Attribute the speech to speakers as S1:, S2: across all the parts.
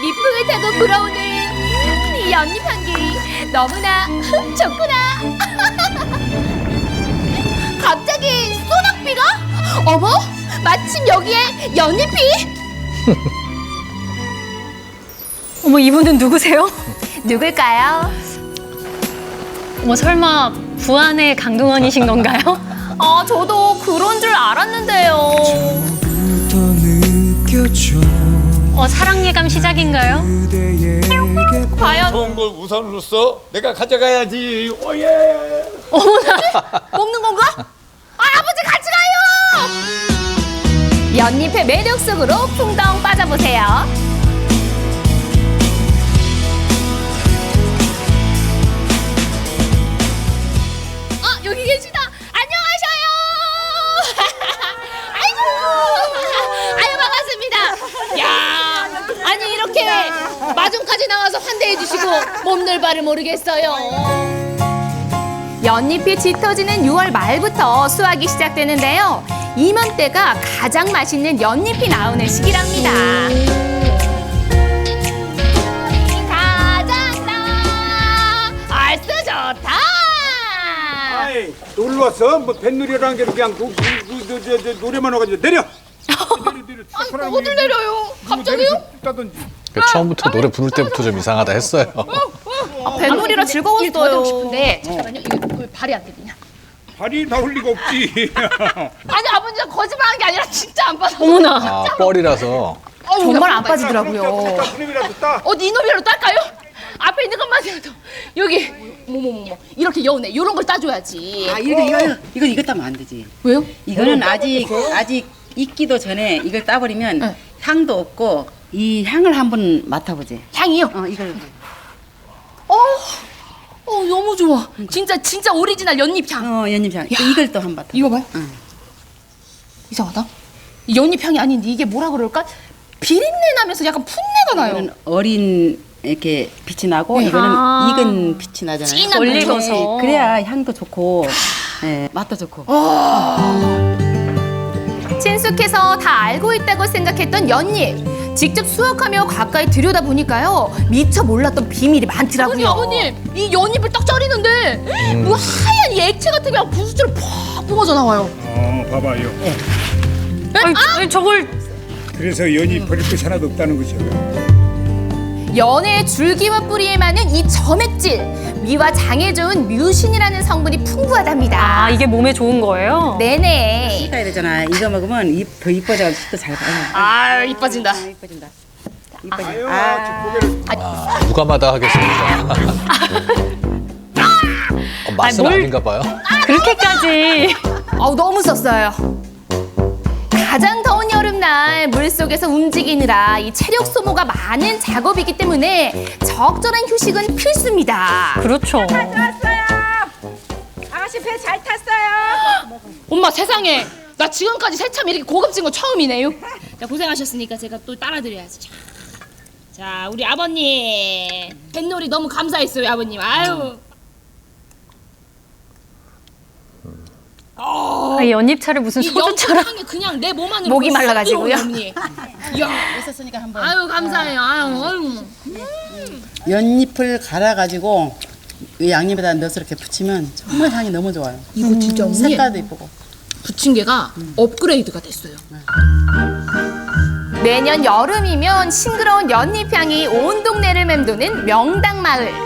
S1: 밑풍을 타고 불어오는 이 연잎 향기 너무나 좋구나. 갑자기 소낙비가? 어머, 마침 여기에 연잎이?
S2: 어머, 이분은 누구세요?
S1: 누굴까요?
S2: 어머, 설마 부안의 강동원이신 건가요?
S1: 아, 저도 그런 줄 알았는데요.
S2: 사랑 예감 시작인가요?
S1: 과연
S3: 좋은 걸 우선으로 써? 내가 가져가야지. 오예.
S2: 어머나.
S1: 먹는 건가? 아버지 같이 가요! 연잎의 매력 속으로 풍덩 빠져보세요. 여기 계시다. 안녕하셔요. 아이고, 반갑습니다. 야, 아니 이렇게 마중까지 나와서 환대해 주시고 몸둘 바를 모르겠어요. 연잎이 짙어지는 6월 말부터 수확이 시작되는데요. 이맘때가 가장 맛있는 연잎이 나오는 시기랍니다. 가장다 얼쑤 좋다.
S4: 아이, 놀러 왔어? 뭐 뱃놀이라는 게 그냥 노래만 와가지고 내려. 내려.
S1: 어딜 내려요? 갑자기요?
S4: 따든지.
S5: 처음부터 노래 부를 때부터 좀 이상하다 했어요.
S1: 뱃놀이라 즐거웠어요.
S2: 하고 싶은데
S1: 잠깐만요. 이거 왜 발이 안 들리냐?
S4: 발이 닿을 리가 없지.
S1: 아니 아버지가 거짓말한 게 아니라 진짜 안 빠져.
S2: 어머나.
S5: 아, 뻘이라서.
S1: 정말 안 빠지더라고요.
S4: 그놈이라도 따.
S1: 어디 이놈이라도 딸까요? 앞에 있는 것만이라도 여기 뭐뭐뭐 이렇게 여운에 이런 걸 따줘야지.
S6: 아 이거 따면 안 되지.
S1: 왜요?
S6: 이거는 아직 익기도 전에 이걸 따버리면
S1: 네.
S6: 향도 없고 이 향을 한번 맡아보지.
S1: 향이요?
S6: 이걸
S1: 너무 좋아. 진짜 오리지널 연잎 향.
S6: 연잎 향. 이걸 또 한번 맡아.
S1: 이거 봐요.
S6: 응.
S1: 이상하다. 이 연잎 향이 아닌데 이게 뭐라 그럴까? 비린내 나면서 약간 풋내가 나요.
S6: 이거는 어린 이렇게 빛이 나고
S1: 네.
S6: 이거는
S2: 아.
S6: 익은 빛이 나잖아요.
S1: 진한
S2: 올리고서.
S6: 네, 그래야 향도 좋고 맛도 좋고.
S1: 친숙해서 다 알고 있다고 생각했던 연잎. 직접 수확하며 가까이 들여다보니까요. 미처 몰랐던 비밀이 많더라고요. 아버님, 이 연잎을 딱 자르는데 뭐 하얀 이 액체 같은 게 부스처럼 팍 뿜어져 나와요.
S4: 봐봐요.
S2: 아니, 저걸
S4: 그래서 연이 버릴 것이 하나도 없다는 거죠.
S1: 연의 줄기와 뿌리에 많은 이 점액질, 미와 장에 좋은 뮤신이라는 성분이 풍부하답니다.
S2: 아, 이게 몸에 좋은 거예요?
S1: 네네.
S6: 식어야 되잖아. 이거 먹으면 더 이뻐져. 식도 잘 봐요.
S1: 아, 이뻐진다.
S6: 이뻐진다.
S4: 아유,
S6: 아.
S4: 저 고개를.
S5: 아, 누가마다 하겠습니다. 맛은
S2: 뭘-
S5: 아닌가 봐요.
S2: 그렇게까지.
S1: 너무 썼어요. 가장 더운 여름날 물속에서 움직이느라 이 체력 소모가 많은 작업이기 때문에 적절한 휴식은 필수입니다.
S2: 그렇죠.
S7: 아가씨 배 잘 탔어요.
S1: 엄마 세상에 나 지금까지 새참 이렇게 고급진 거 처음이네요. 자, 고생하셨으니까 제가 또 따라드려야지. 자, 우리 아버님 뱃놀이 너무 감사했어요, 아버님. 아유.
S2: 아, 연잎차를 무슨
S1: 이
S2: 소주처럼.
S1: 연잎향이 그냥 내 몸 안으로
S2: 목이
S1: 쓱
S2: 말라가지고요.
S1: 들어오네, 언니. 이야,
S6: 있었으니까 한번.
S1: 아유 감사해요. 아유.
S6: 연잎을 갈아가지고 이 양념에다 넣어서 이렇게 부치면 정말 향이 너무 좋아요.
S1: 이거 진짜 언니
S6: 색깔도 이쁘고.
S1: 부침개가 업그레이드가 됐어요. 매년 여름이면 싱그러운 연잎향이 온 동네를 맴도는 명당마을.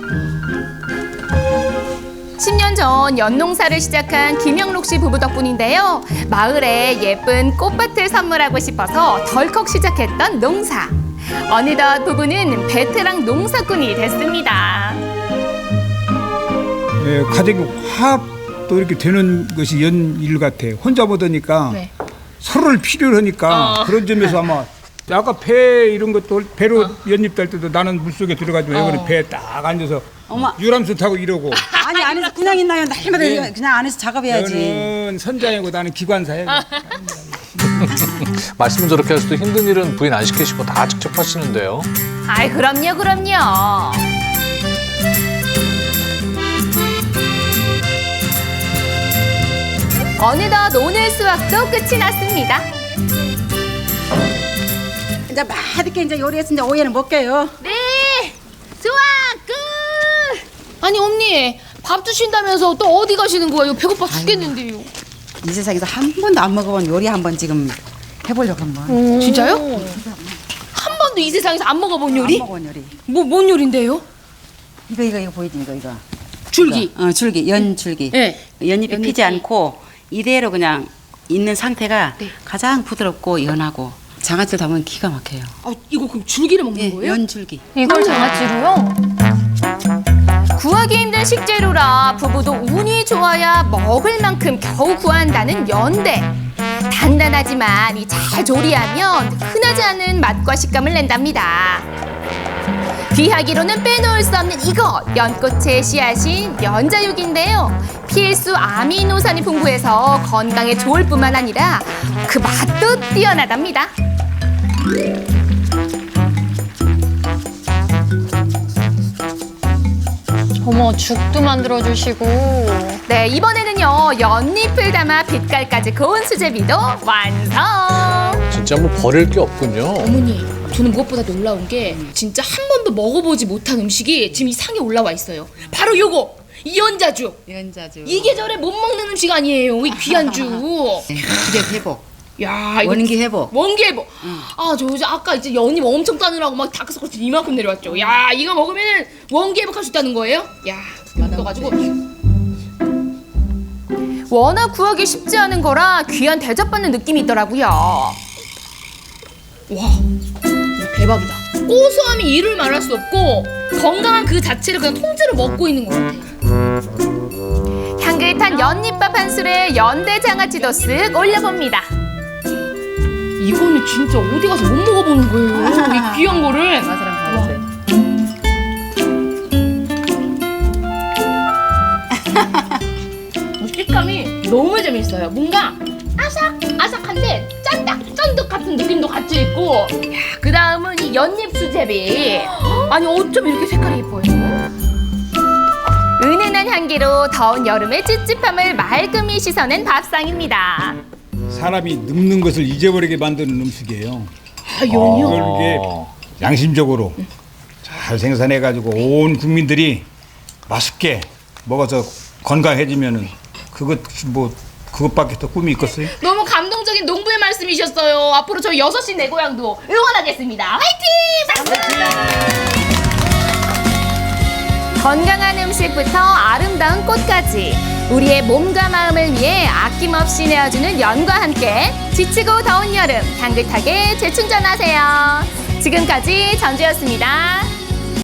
S1: 10년 전 연농사를 시작한 김영록 씨 부부 덕분인데요. 마을에 예쁜 꽃밭을 선물하고 싶어서 덜컥 시작했던 농사. 어느덧 부부는 베테랑 농사꾼이 됐습니다.
S4: 가족이 화합도 이렇게 되는 것이 연일 같아. 혼자 보다니까
S1: 네.
S4: 서로를 필요로 하니까 그런 점에서 아마 아까 배 이런 것도 배로 연잎 딸 때도 나는 물속에 들어가지고 여기는 배에 딱 앉아서
S6: 엄마.
S4: 유람선 타고 이러고
S6: 아니 안에서 그냥 있나요? 날마다
S4: 네.
S6: 그냥 안에서 작업해야지.
S4: 너는 선장이고 나는 기관사야.
S5: 말씀은 저렇게 하셔도 힘든 일은 부인 안 시키시고 다 직접 하시는데요.
S1: 아이 그럼요. 어느덧 오늘 수확도 끝이 났습니다.
S6: 이제 맛있게 이제 요리했으니 오이는 먹게요.
S1: 네, 좋아, 끝. 아니 언니, 밥 주신다면서 또 어디 가시는 거예요? 배고파 죽겠는데요.
S6: 이 세상에서 한 번도 안 먹어본 요리 한번 지금 해보려고 한번.
S1: 진짜요? 한 번도 이 세상에서 안 먹어본 요리?
S6: 안 먹어본 요리.
S1: 뭔 요리인데요?
S6: 이거 보이지 이거.
S1: 줄기.
S6: 줄기, 연줄기.
S1: 네.
S6: 연잎이
S1: 연잎이.
S6: 피지 않고 이대로 그냥 있는 상태가
S1: 네.
S6: 가장 부드럽고 연하고 장아찌를 담으면 기가 막혀요.
S1: 아, 이거 그럼 줄기를 먹는 거예요?
S6: 연줄기.
S2: 이걸 장아찌로요?
S1: 구하기 힘든 식재료라 부부도 운이 좋아야 먹을 만큼 겨우 구한다는 연대. 단단하지만 이 잘 조리하면 흔하지 않은 맛과 식감을 낸답니다. 귀하기로는 빼놓을 수 없는 이것, 연꽃의 씨앗인 연자육인데요. 필수 아미노산이 풍부해서 건강에 좋을 뿐만 아니라 그 맛도 뛰어나답니다.
S2: 어머, 죽도 만들어주시고.
S1: 네, 이번에는요 연잎을 담아 빛깔까지 고운 수제비도 완성.
S5: 진짜 뭐 버릴 게 없군요.
S1: 어머니, 저는 무엇보다 놀라운 게 진짜 한 번도 먹어보지 못한 음식이 지금 이 상에 올라와 있어요. 바로 요거, 이 연자죽.
S6: 연자죽.
S1: 이 계절에 못 먹는 음식 아니에요, 이 귀한 죽.
S6: 기력 회복.
S1: 야, 이거
S6: 원기 회복.
S1: 원기 회복. 아, 저 이제 아까 이제 연잎 엄청 따느라고 막 다크서클 이만큼 내려왔죠. 야, 이거 먹으면 원기 회복할 수 있다는 거예요? 야, 넣어가지고. 워낙 구하기 쉽지 않은 거라 귀한 대접받는 느낌이 있더라고요. 와, 이거 대박이다. 고소함이 이를 말할 수 없고 건강한 그 자체를 그냥 통째로 먹고 있는 것 같아요. 향긋한 연잎밥 한 술에 연대 장아찌도 쓱 올려봅니다. 이거는 진짜 어디 가서 못 먹어보는 거예요. 이 귀한 거를.
S6: 맛이랑 다르지.
S1: 식감이 너무 재밌어요. 뭔가 아삭아삭한데 짠득 같은 느낌도 같이 있고. 그 다음은 이 연잎 수제비. 아니 어쩜 이렇게 색깔이 예뻐요. 은은한 향기로 더운 여름의 찝찝함을 말끔히 씻어낸 밥상입니다.
S4: 사람이 늙는 것을 잊어버리게 만드는 음식이에요.
S1: 아, 연이요?
S4: 그걸 이게 양심적으로 잘 생산해가지고 온 국민들이 맛있게 먹어서 건강해지면은 그것밖에 더 꿈이 있겠어요?
S1: 너무 감동적인 농부의 말씀이셨어요. 앞으로 저희 6시 내 고향도 응원하겠습니다. 화이팅! 건강한 음식부터 아름다운 꽃까지 우리의 몸과 마음을 위해 아낌없이 내어주는 연과 함께 지치고 더운 여름 향긋하게 재충전하세요. 지금까지 전주였습니다.